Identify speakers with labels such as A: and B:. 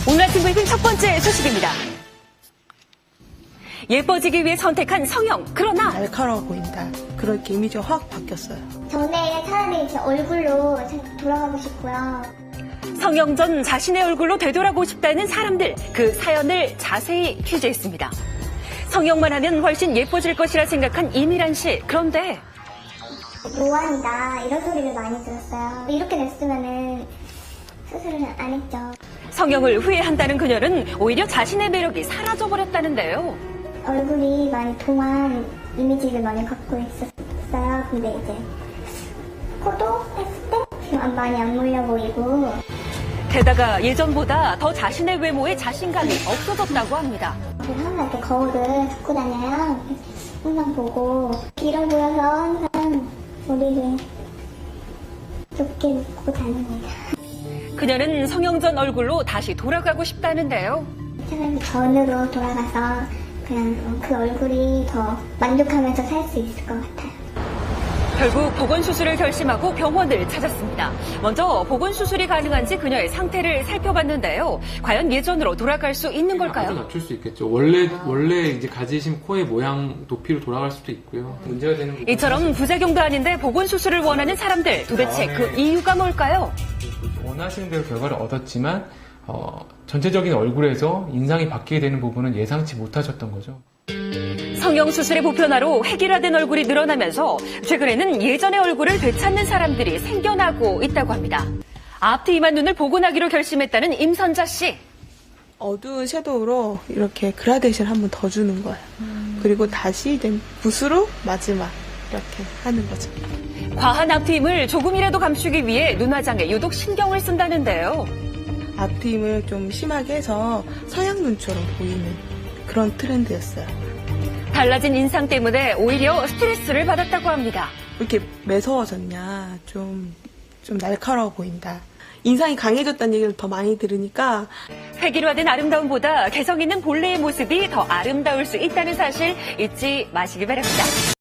A: 오늘 아침 브리핑 첫 번째 소식입니다. 예뻐지기 위해 선택한 성형. 그러나
B: 날카로워 보인다. 그렇게 이미지가 확 바뀌었어요.
C: 전에 차라리 제 얼굴로 돌아가고 싶고요.
A: 성형 전 자신의 얼굴로 되돌아가고 싶다는 사람들. 그 사연을 자세히 취재했습니다. 성형만 하면 훨씬 예뻐질 것이라 생각한 이미란 씨. 그런데
C: 노안이다 이런 소리를 많이 들었어요. 이렇게 됐으면은 수술을 안 했죠.
A: 성형을 후회한다는 그녀는 오히려 자신의 매력이 사라져버렸다는데요.
C: 얼굴이 많이 동안 이미지를 많이 갖고 있었어요. 근데 이제 코도 했을 때 많이 안 몰려 보이고
A: 게다가 예전보다 더 자신의 외모에 자신감이 없어졌다고 합니다.
C: 항상 이렇게 거울을 갖고 다녀요. 항상 보고 길어 보여서 항상 머리를 좁게 묶고 다닙니다.
A: 그녀는 성형 전 얼굴로 다시 돌아가고 싶다는데요.
C: 차라리 전으로 돌아가서 그냥 그 얼굴이 더 만족하면서 살 수 있을 것 같아요.
A: 결국 보건수술을 결심하고 병원을 찾았습니다. 먼저 보건수술이 가능한지 그녀의 상태를 살펴봤는데요. 과연 예전으로 돌아갈 수 있는 걸까요?
D: 아주 낮출 수 있겠죠. 원래 이제 가지신 코의 모양 높이로 돌아갈 수도 있고요. 문제가 되는 부분은
A: 이처럼 부작용도 아닌데 보건수술을 원하는 사람들, 도대체 그 이유가 뭘까요?
D: 원하시는 대로 결과를 얻었지만 전체적인 얼굴에서 인상이 바뀌게 되는 부분은 예상치 못하셨던 거죠.
A: 성형수술의 보편화로 획일화된 얼굴이 늘어나면서 최근에는 예전의 얼굴을 되찾는 사람들이 생겨나고 있다고 합니다. 앞 뒤 이만 눈을 복원하기로 결심했다는 임선자 씨.
B: 어두운 섀도우로 이렇게 그라데이션 한 번 더 주는 거예요. 그리고 다시 이제 붓으로 마지막 이렇게 하는 거죠.
A: 과한 앞트임을 조금이라도 감추기 위해 눈화장에 유독 신경을 쓴다는데요.
B: 앞트임을 좀 심하게 해서 서양 눈처럼 보이는 그런 트렌드였어요.
A: 달라진 인상 때문에 오히려 스트레스를 받았다고 합니다.
B: 왜 이렇게 매서워졌냐, 좀 날카로워 보인다. 인상이 강해졌다는 얘기를 더 많이 들으니까
A: 획일화된 아름다움보다 개성 있는 본래의 모습이 더 아름다울 수 있다는 사실 잊지 마시기 바랍니다.